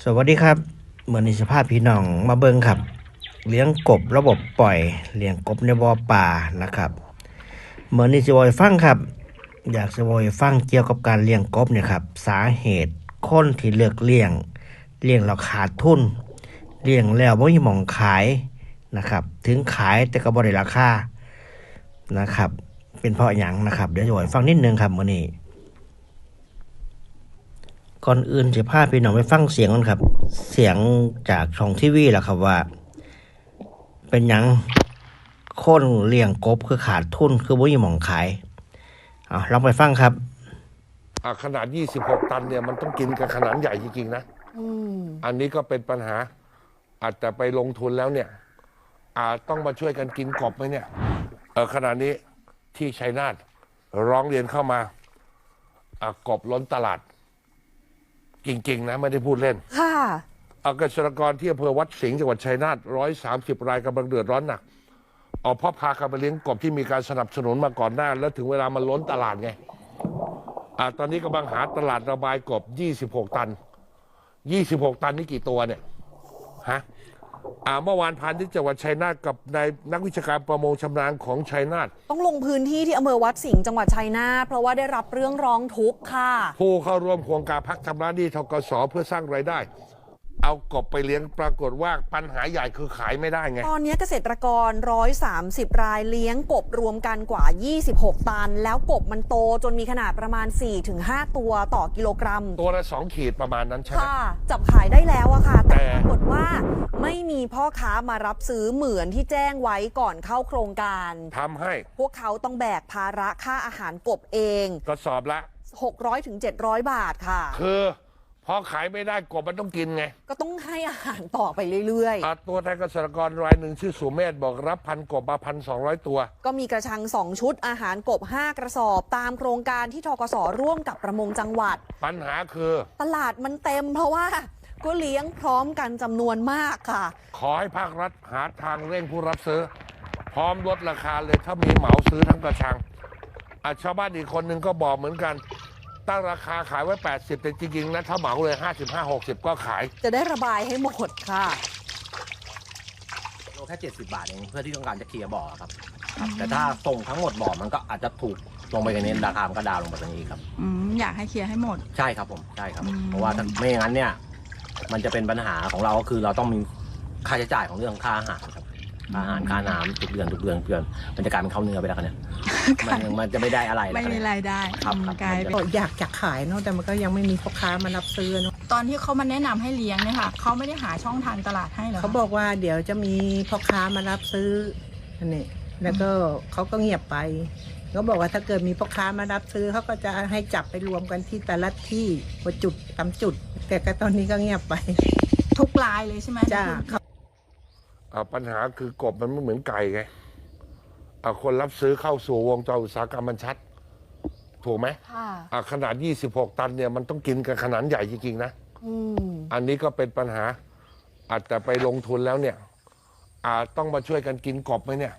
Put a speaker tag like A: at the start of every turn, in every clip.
A: สวัสดีครับเหมือนในสภาพพี่น้องมาเบิ่งครับเลี้ยงกบระบบปล่อยเลี้ยงกบในบ่อปลานะครับเหมือนนี่สิบ่ให้ฟังครับอยากสิบ่ให้ฟังเกี่ยวกับการเลี้ยงกบเนี่ยครับสาเหตุคนที่เลือกเลี้ยงแล้วขาดทุนเลี้ยงแล้วบ่มีหม้องขายนะครับถึงขายแต่ก็บ่ได้ราคานะครับเป็นเพราะหยังนะครับเดี๋ยวจะให้ฟังนิดนึงครับมื้อนี้ก่อนอื่นจะพาพี่น้องไปฟังเสียงก่อนครับเสียงจากช่องทีวีแหละครับว่าเป็นหยังคนเลี้ยงกบคือขาดทุนคือบ่มีหม้องขายเอาลองไปฟังครับ
B: ขนาด26 ตันเนี่ยมันต้องกินกับขนาดใหญ่จริงๆนะอันนี้ก็เป็นปัญหาอาจจะไปลงทุนแล้วเนี่ยต้องมาช่วยกันกินกบไหมเนี่ยขณะนี้ที่ชัยนาทร้องเรียนเข้ามากบล้นตลาดจริงๆนะไม่ได้พูดเล่น
C: ค่ะ
B: เกษตรกรที่อำเภอวัดสิงห์จังหวัดชัยนาท130 รายกำลังเดือดร้อนหนักเพราะพากันไปเลี้ยงกบที่มีการสนับสนุนมาก่อนหน้าแล้วถึงเวลามันล้นตลาดไงตอนนี้กำลังหาตลาดระบายกบ26 ตัน26 ตันนี่กี่ตัวเนี่ยฮะเมื่อวานพาณิชย์จังหวัดชัยนาทกับนายนักวิชาการประมงชำนาญของชัยนาท
C: ต้องลงพื้นที่ที่อำเภอวัดสิงห์จังหวัดชัยนาทเพราะว่าได้รับเรื่องร้องทุกข์ค่ะ
B: ผู้เข้าร่วมโครงการพักชำระหนี้ธกส.เพื่อสร้างรายได้เอากบไปเลี้ยงปรากฏว่าปัญหาใหญ่คือขายไม่ได้ไง
C: ตอนนี้เกษตรกร130 รายเลี้ยงกบรวมกันกว่า26 ตันแล้วกบมันโตจนมีขนาดประมาณ 4-5 ตัวต่อกิโลกรัม
B: ตัวละ2 ขีดประมาณนั้นใช่ไหม
C: ค่ะจับขายได้แล้วอะค่ะแต่ปรากฏว่าไม่มีพ่อค้ามารับซื้อเหมือนที่แจ้งไว้ก่อนเข้าโครงการ
B: ทำให้
C: พวกเขาต้องแบกภาระค่าอาหารกบเอง
B: กระสอบละ
C: 600-700 บาทค่ะ
B: คือพอขายไม่ได้กบมันต้องกินไง
C: ก็ต้องให้อาหารต่อไปเรื่อย
B: ๆตัวแทนเกษตรกรรายหนึ่งชื่อสุเมธบอกรับพันกบมา1,200 ตัว
C: ก็มีกระชัง2 ชุดอาหารกบ5 กระสอบตามโครงการที่ธกส.ร่วมกับประมงจังหวัด
B: ปัญหาคือ
C: ตลาดมันเต็มเพราะว่าก็เลี้ยงพร้อมกันจำนวนมากค่ะ
B: ขอให้ภาครัฐหาทางเร่งผู้รับซื้อพร้อมลดราคาเลยถ้ามีเหมาซื้อทั้งกระชังชาวบ้านอีกคนหนึ่งก็บอกเหมือนกันตั้งราคาขายไว้80แต่จริงๆนะถ้าเหมาเลย55-60ก็ขาย
C: จะได้ระบายให้หมดค่ะ
D: โลแค่70 บาทเองเพื่อที่ต้องการจะเคลียร์บ่อครับแต่ถ้าส่งทั้งหมดบ่อมันก็อาจจะถูกลงไปกันนี้ราคามันก็ดาวลงไปตรงนี้ครับ
E: อยากให้เคลียร์ให้หมด
D: ใช่ครับผมใช่ครับเพราะว่าไม่อย่างนั้นเนี่ยมันจะเป็นปัญหาของเราก็คือเราต้องมีค่าใช้จ่ายของเรื่องค่าอาหารครับอาหารค่าน้ำทุกเดือนมันจะกลายเป็นข้าวเนื้อไปแล้วเนี่ยมันจะไม่ได้อะไร
E: ไม่มีรายได้
D: ครับ
E: กลายเป็น
F: อยากจะขายเนาะแต่มันก็ยังไม่มีพ่อค้ามารับซื้อเนาะ
E: ตอนที่เขามาแนะนำให้เลี้ยงเนี่ยค่ะเขาไม่ได้หาช่องทางตลาดให้เหรอ
F: เขาบอกว่าเดี๋ยวจะมีพ่อค้ามารับซื้ออันนี้แล้วก็เขาก็เงียบไปเขาบอกว่าถ้าเกิดมีพ่อค้ามารับซื้อเขาก็จะให้จับไปรวมกันที่แต่ละที่ว่าจุดตามจุดแต่ก็ตอนนี้ก็เงียบไป
E: ทุกรายเลยใช่ไหม
F: จ้า
B: ปัญหาคือกบมันไม่เหมือนไก่ไงคนรับซื้อเข้าสู่วงจรอุตสาหกรรมมันชัดถูกไหมขนาด26 ตันเนี่ยมันต้องกินกับขนาดใหญ่จริงๆนะอันนี้ก็เป็นปัญหาอาจจะไปลงทุนแล้วเนี่ยต้องมาช่วยกันกินกบไหมเนี่ย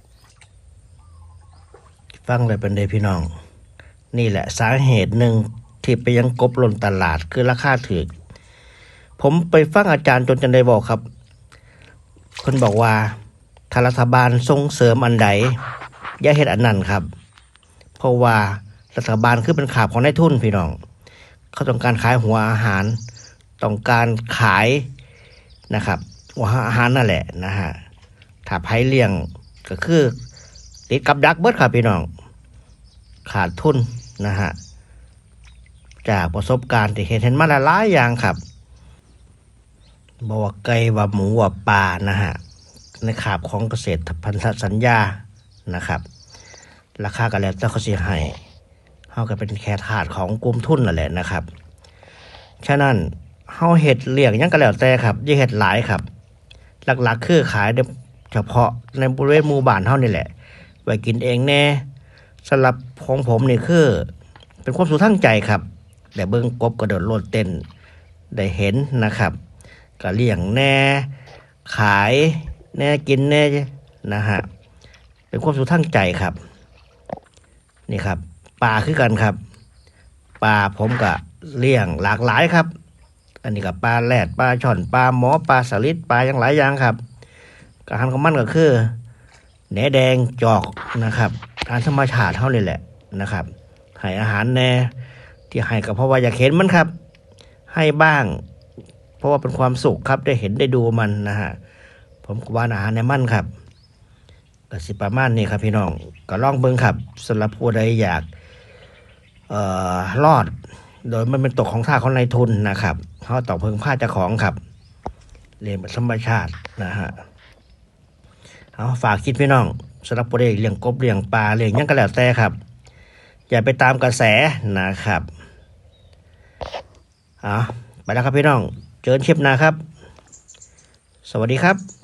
A: ฟังเลยเป็นเดพี่น้องนี่แหละสาเหตุหนึ่งที่ไปยังกบล้นตลาดคือราคาถูกผมไปฟังอาจารย์จนได้บอกครับคนบอกว่าถ้ารัฐบาลส่งเสริมอันใดอย่าเฮ็ดอันนั้นครับเพราะว่ารัฐบาลคือเป็นขาบของนายทุนพี่น้องเขาต้องการขายหัวอาหารต้องการขายนะครับหัวอาหารนั่นแหละนะฮะถ้าไผเลี้ยงก็คือติดกับดักเบิดครับพี่น้องขาดทุนนะฮะจากประสบการณ์ที่เห็นมาหลายอย่างครับบอกว่าไก่ว่าหมูว่าปลานะฮะในขาบของเกษตรพันธสัญญานะครับราคาก็แล้วแต่เขาสิให้เฮาก็เป็นแค่ทาสของกลุ่มทุนนั่นแหละนะครับฉะนั้นเฮาเฮ็ดเลี้ยงหยังก็แล้วแต่ครับอย่าเฮ็ดหลายครับหลักๆคือขายเฉพาะในบริเวณหมู่บ้านเฮานี่แหละไว้กินเองแน่สำหรับของผมนี่คือเป็นความสุขทางใจครับแต่เบิ่งกบกระโดดโลดเต้นได้เห็นนะครับก็เลี้ยงแน่ขายแน่กินแน่นะฮะเป็นความสุขทางใจครับนี่ครับปลาคือกันครับปลาผมก็เลี้ยงหลากหลายครับอันนี้กับปลาแรดปลาช่อนปลาหมอปลาสลิดปลาอย่างหลายอย่างครับอาหารของมันก็คือแหนแดงจอกนะครับอาหารธรรมชาติเท่านี้แหละนะครับให้อาหารแน่ที่ให้ก็เพราะว่าอยากเห็นมันครับให้บ้างเพราะว่าเป็นความสุขครับได้เห็นได้ดูมันนะฮะผมก็ว่าอาหารในมันครับก็สิประมาณนี้ครับพี่น้องก็ลองเบิ่งครับสำหรับผู้ใดอยากรอดโดยมันเป็นตกของท่าของนายทุนนะครับเขาต้องเพิ่งผ้าเจ้าของครับเรียนแบบธรรมชาตินะฮะเอาฝากคิดพี่น้องสำหรับผู้ใดเลี้ยงกบเลี้ยงปลาเลี้ยงหยังก็แล้วแต่ครับอย่าไปตามกระแสนะครับเอาไปแล้วครับพี่น้องเจอกันคลิปหน้าครับสวัสดีครับ